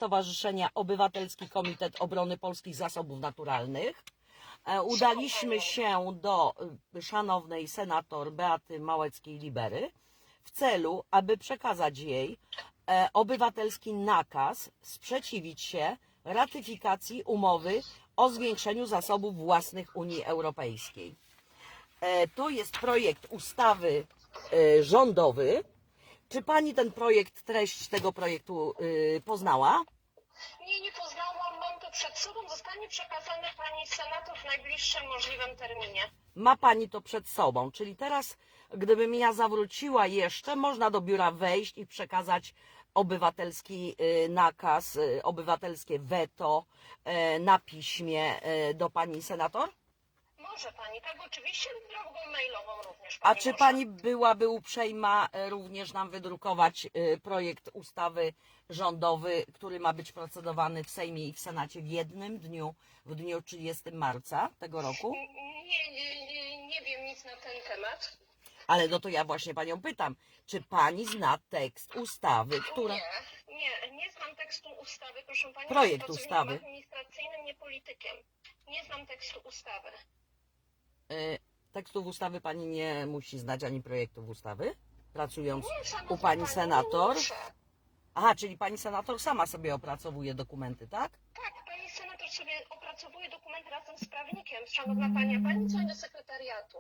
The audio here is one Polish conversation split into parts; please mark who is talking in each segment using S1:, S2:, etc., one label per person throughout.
S1: Stowarzyszenia Obywatelski Komitet Obrony Polskich Zasobów Naturalnych. Udaliśmy się do szanownej senator Beaty Małeckiej-Libery w celu, aby przekazać jej obywatelski nakaz sprzeciwić się ratyfikacji umowy o zwiększeniu zasobów własnych Unii Europejskiej. To jest projekt ustawy rządowy. Czy pani ten projekt, treść tego projektu poznała?
S2: Nie poznałam, mam to przed sobą, zostanie przekazane pani senator w najbliższym możliwym terminie.
S1: Ma pani to przed sobą, czyli teraz, gdybym ja zawróciła jeszcze, można do biura wejść i przekazać obywatelski nakaz, obywatelskie weto na piśmie do pani senator?
S2: Może pani, tak oczywiście, drogą mailową również.
S1: A
S2: Pani
S1: czy
S2: może.
S1: pani byłaby uprzejma również nam wydrukować projekt ustawy rządowy, który ma być procedowany w Sejmie i w Senacie w jednym dniu, w dniu 30 marca tego roku?
S2: Nie wiem nic na ten temat.
S1: Ale no to ja właśnie panią pytam, czy pani zna tekst ustawy, która...
S2: Nie znam tekstu ustawy, proszę pani.
S1: Projekt
S2: jestem
S1: ustawy.
S2: pracownikiem administracyjnym, nie politykiem. Nie znam tekstu ustawy.
S1: Tekstów ustawy pani nie musi znać, ani projektów ustawy, pracując
S2: Nie, szanowna
S1: u pani
S2: pani,
S1: senator?
S2: nie muszę.
S1: Aha, czyli pani senator sama sobie opracowuje dokumenty, tak?
S2: Tak, pani senator sobie opracowuje dokument razem z prawnikiem. Szanowna pani, a pani dzwoni do sekretariatu.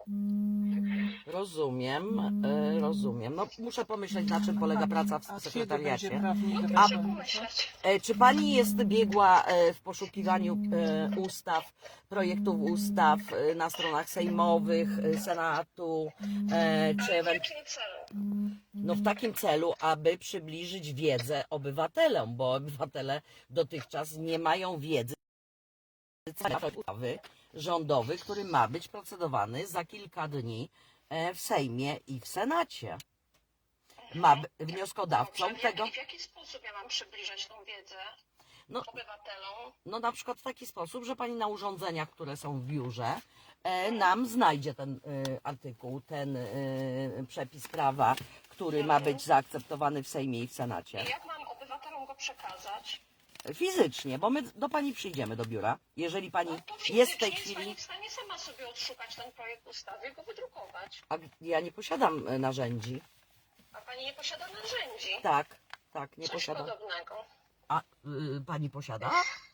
S1: Rozumiem. No muszę pomyśleć, na czym polega praca w sekretariacie.
S2: Proszę pomyśleć.
S1: Czy pani jest biegła w poszukiwaniu ustaw, projektów ustaw na stronach sejmowych, Senatu, czy
S2: W jakim celu?
S1: no w takim celu, aby przybliżyć wiedzę obywatelom, bo obywatele dotychczas nie mają wiedzy na temat ustawy rządowy, który ma być procedowany za kilka dni w Sejmie i w Senacie. Wnioskodawcą
S2: Dobrze,
S1: tego...
S2: w jaki sposób ja mam przybliżać tą wiedzę obywatelom?
S1: No na przykład w taki sposób, że pani na urządzeniach, które są w biurze, nam znajdzie ten artykuł, ten przepis prawa, który ma być zaakceptowany w Sejmie i w Senacie.
S2: I jak mam obywatelom go przekazać?
S1: Fizycznie, bo my do pani przyjdziemy do biura. Jeżeli pani
S2: No to
S1: jest w tej
S2: fizycznie
S1: chwili...
S2: jest pani w stanie sama sobie odszukać ten projekt ustawy i go wydrukować.
S1: A ja nie posiadam narzędzi.
S2: A pani nie posiada narzędzi.
S1: Tak, nie
S2: Coś
S1: posiadam.
S2: podobnego.
S1: A pani posiada?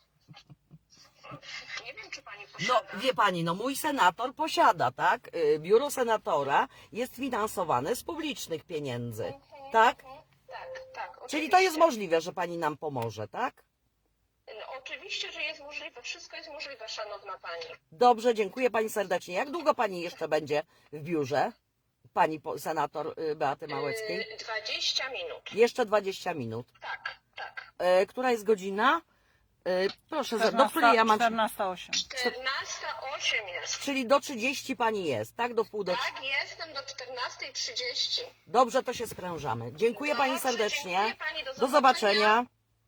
S2: Nie wiem, czy pani
S1: No
S2: posiada.
S1: wie pani, no mój senator posiada, tak? Biuro senatora jest finansowane z publicznych pieniędzy, tak?
S2: Tak.
S1: Czyli
S2: Oczywiście.
S1: to jest możliwe, że pani nam pomoże, tak?
S2: No, oczywiście, że jest możliwe. Wszystko jest możliwe, szanowna pani.
S1: Dobrze, dziękuję pani serdecznie. Jak długo pani jeszcze będzie w biurze? Pani senator Beaty Małeckiej?
S2: 20 minut.
S1: Jeszcze 20 minut.
S2: Tak.
S1: Która jest godzina? Proszę, do której ja mam...
S3: 14:08.
S2: 14:08 jest.
S1: Czyli do 30 pani jest, tak? Do wpół do...
S2: Tak, jestem do 14:30.
S1: Dobrze, to się sprężamy. Dziękuję pani
S2: Dobrze,
S1: serdecznie.
S2: dziękuję pani,
S1: Do zobaczenia.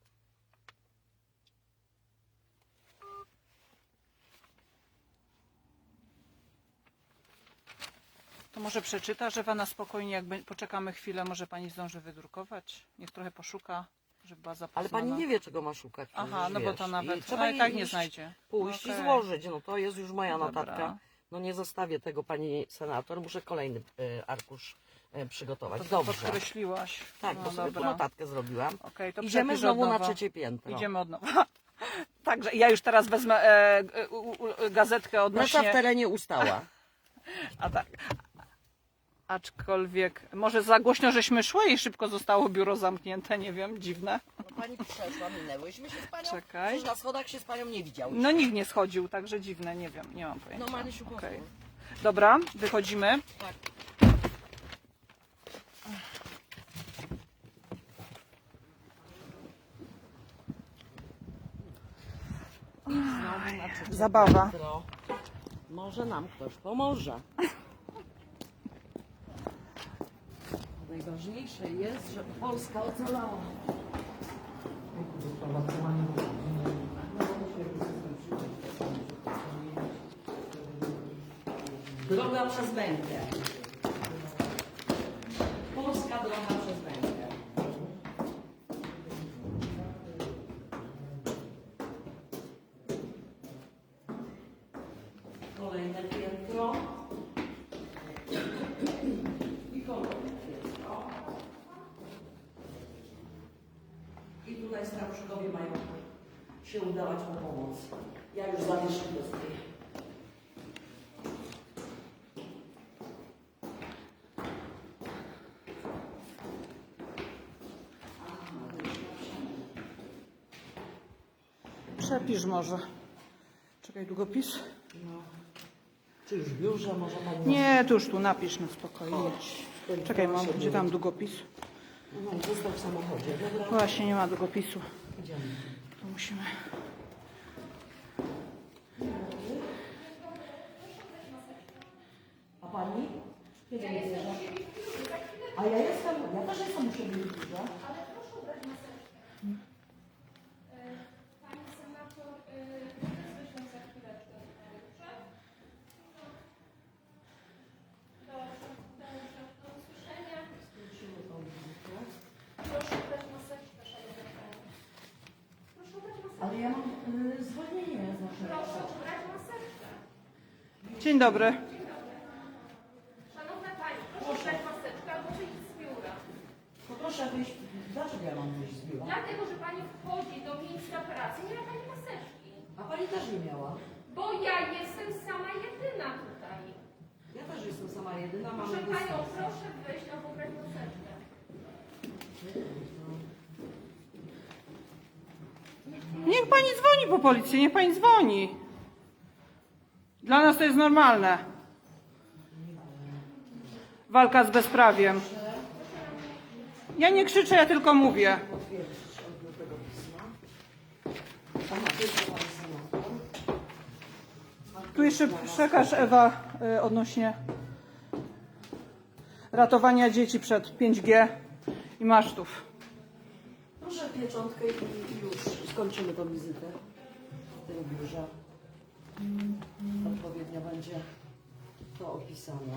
S3: To może przeczyta, że pana spokojnie, jak poczekamy chwilę, może pani zdąży wydrukować. Niech trochę poszuka, żeby była zapoznana.
S1: Ale pani nie wie, czego ma szukać.
S3: Aha, no bo to nawet...
S1: Trzeba
S3: i tak
S1: jej
S3: nie
S1: iść,
S3: znajdzie.
S1: Pójść i
S3: Okej.
S1: złożyć. No to jest już moja
S3: Dobra.
S1: notatka. No nie zostawię tego pani senator. Muszę kolejny arkusz przygotować.
S3: To
S1: Dobrze.
S3: podkreśliłaś.
S1: Tak,
S3: No
S1: bo sobie tu
S3: dobra.
S1: notatkę zrobiłam.
S3: Okej, to
S1: Idziemy
S3: przepisz
S1: znowu
S3: od
S1: na
S3: nowa.
S1: trzecie piętro.
S3: Idziemy od nowa. Także ja już teraz wezmę gazetkę
S1: Nasza w
S3: odnośnie...
S1: terenie ustała.
S3: A tak. Aczkolwiek może za głośno żeśmy szły i szybko zostało biuro zamknięte, nie wiem, dziwne.
S1: No pani przeszła, minęłyśmy się z panią.
S3: Czekaj.
S1: Przecież na schodach się z panią nie widziałyśmy.
S3: No nikt nie schodził, także dziwne, nie wiem, nie mam pojęcia.
S1: No Marysiu,
S3: Okej.
S1: pozwól.
S3: Dobra, wychodzimy.
S1: Tak. I znowu na trzecie
S3: Zabawa.
S1: piętro. Może nam ktoś pomoże. Najważniejsze jest, żeby Polska ocalała. Droga przez Węgry. Polska droga przez Węgry. Kolejne piętro. I kolejne piętro. I tutaj staruszkowie mają się udawać po pomoc. Ja już zawieszę do tej.
S3: Przepisz może. Czekaj, długopis?
S1: No. Czy już w biurze może pani...
S3: Nie, tu już tu napisz na spokojnie. Czekaj, mam, gdzie tam długopis?
S1: No, został w samochodzie, dobra?
S3: Właśnie nie ma długopisu.
S1: Idziemy.
S3: To musimy.
S1: A pani? Kiedy nie bierze? A ja jestem, ja też jestem u siebie w biurze.
S4: Ale proszę ubrać maseczkę. Pani senator, wyślę za chwileczkę. Dobrze, do usłyszenia. Proszę ubrać maseczkę, szanowna pani. Proszę ubrać maseczkę.
S1: Ale ja mam zwolnienie z naszego.
S4: Proszę ubrać maseczkę.
S3: Dzień dobry.
S4: Szanowna pani, proszę ubrać maseczkę albo wyjść z biura.
S1: To proszę wyjść. Dlaczego ja mam wyjść z biura?
S4: Dlatego, że pani wchodzi do miejsca pracy, nie ma pani maseczki.
S1: A pani też nie miała.
S4: Bo ja jestem sama jedyna tutaj.
S1: Ja też jestem sama jedyna, mam
S4: Proszę panią,
S1: dystans.
S4: proszę wyjść albo ubrać maseczkę.
S3: Niech pani dzwoni po policję, niech pani dzwoni. Dla nas to jest normalne. Walka z bezprawiem. Ja nie krzyczę, ja tylko mówię.
S1: Potwierdzić od tego pisma. Aha, to jest pani senator.
S3: Tu jeszcze przekaż Ewa odnośnie ratowania dzieci przed 5G i masztów.
S1: Proszę pieczątkę i już skończymy tą wizytę w tym biurze. Odpowiednio będzie to opisane.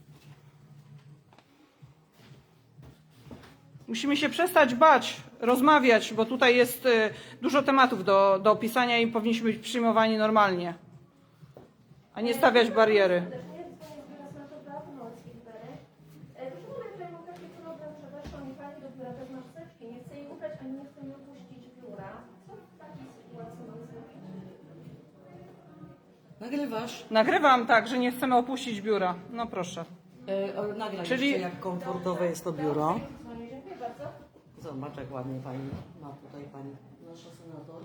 S3: Musimy się przestać bać, rozmawiać, bo tutaj jest dużo tematów do opisania i powinniśmy być przyjmowani normalnie, a nie stawiać bariery.
S4: Serdecznie dzwonię z biura senatora Pomorskiej Bery. Proszę pana, że ja mam taki problem, że weszła mi pani do biura bez maseczki. Nie chcę jej ubrać, ani nie chcę jej opuścić biura. Co w takiej sytuacji mam zrobić?
S1: Nagrywasz?
S3: Nagrywam tak, że nie chcemy opuścić biura. No proszę.
S1: Nagraj
S3: Czyli-
S1: jeszcze, jak komfortowe jest to biuro.
S4: Dzwonię, dziękuję bardzo.
S1: Zobacz, jak ładnie pani ma tutaj pani, nasza senator.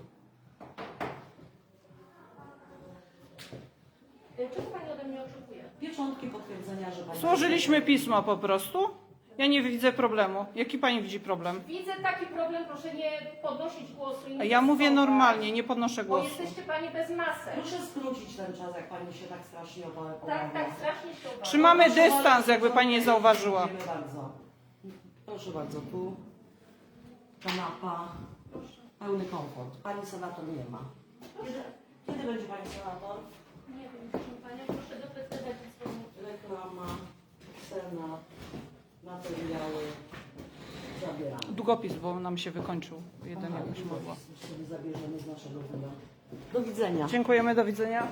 S4: Czego pani ode mnie oczekuje?
S1: Pieczątki potwierdzenia, że pani...
S3: Złożyliśmy pismo po prostu. Ja nie widzę problemu. Jaki pani widzi problem?
S4: Widzę taki problem, proszę nie podnosić głosu. I nie
S3: Ja mówię
S4: wystosować,
S3: normalnie, nie podnoszę
S4: Bo
S3: głosu.
S4: jesteście pani bez masek.
S1: Proszę skrócić ten czas, jak pani się tak strasznie obawia.
S4: Tak, strasznie się obawiam.
S3: Trzymamy dystans, jakby pani nie zauważyła.
S1: Dziękuję bardzo. Proszę bardzo, tu kanapa, pełny komfort. Pani senator nie ma. Kiedy będzie pani senator?
S4: Nie wiem, proszę panią, proszę dopytywać i dzwonić.
S1: Reklama, senat, materiały, zabieramy.
S3: Długopis, bo nam się wykończył. Jeden jakoś mogło.
S1: Sobie zabierzemy z naszego biura. Do widzenia.
S3: Dziękujemy, do widzenia.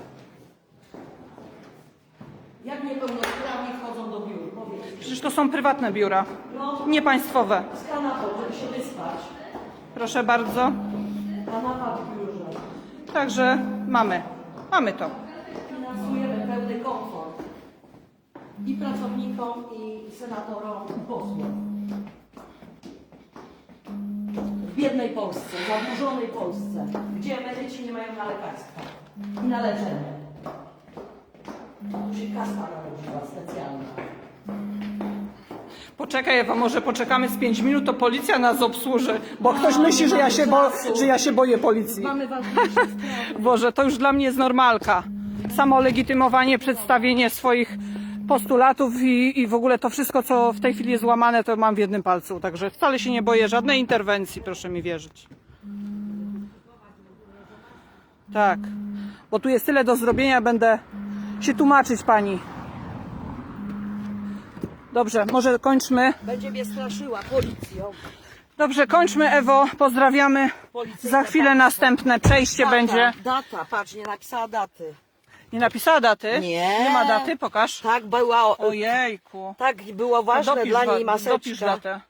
S1: Jak niepełnosprawni wchodzą do biur? Powiedz.
S3: Przecież to są prywatne biura,
S1: No,
S3: nie państwowe.
S1: z kanapą, żeby się wyspać.
S3: Proszę bardzo.
S1: Kanapa w biurze.
S3: Także mamy to.
S1: Finansujemy pełny komfort. I pracownikom, i senatorom, i posłom. W biednej Polsce, zadłużonej Polsce, gdzie emeryci nie mają na lekarstwa i na leczenie. Tu się kasta narodziła specjalna.
S3: Poczekaj Ewa, może poczekamy z 5 minut, to policja nas obsłuży, bo ktoś myśli, że ja się boję policji.
S1: Mamy ważniejsze sprawy.
S3: Boże, to już dla mnie jest normalka. Samo legitymowanie, przedstawienie swoich postulatów i w ogóle to wszystko, co w tej chwili jest łamane, to mam w jednym palcu. Także wcale się nie boję żadnej interwencji, proszę mi wierzyć. Tak, bo tu jest tyle do zrobienia, będę się tłumaczyć pani. Dobrze, może kończmy.
S1: Będzie mnie straszyła policją.
S3: Dobrze, kończmy Ewo, pozdrawiamy.
S1: Policyjne
S3: Za chwilę
S1: państwo.
S3: następne przejście
S1: Data,
S3: będzie.
S1: Data, patrz, nie napisała daty.
S3: Nie napisała daty?
S1: Nie.
S3: Nie ma daty? Pokaż.
S1: Tak była,
S3: Ojejku.
S1: tak było ważne
S3: Dopisz
S1: dla niej
S3: dopisz
S1: maseczka.
S3: datę.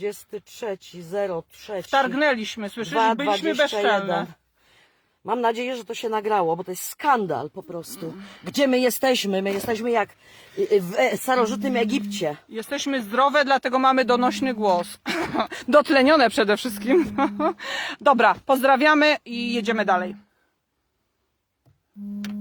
S1: 23.03.
S3: Targnęliśmy, słyszysz? Byliśmy
S1: 2:21.
S3: bezczelne.
S1: Mam nadzieję, że to się nagrało, bo to jest skandal po prostu. Gdzie my jesteśmy? My jesteśmy jak w starożytnym Egipcie.
S3: Jesteśmy zdrowe, dlatego mamy donośny głos. Dotlenione przede wszystkim. Dobra, pozdrawiamy i jedziemy dalej.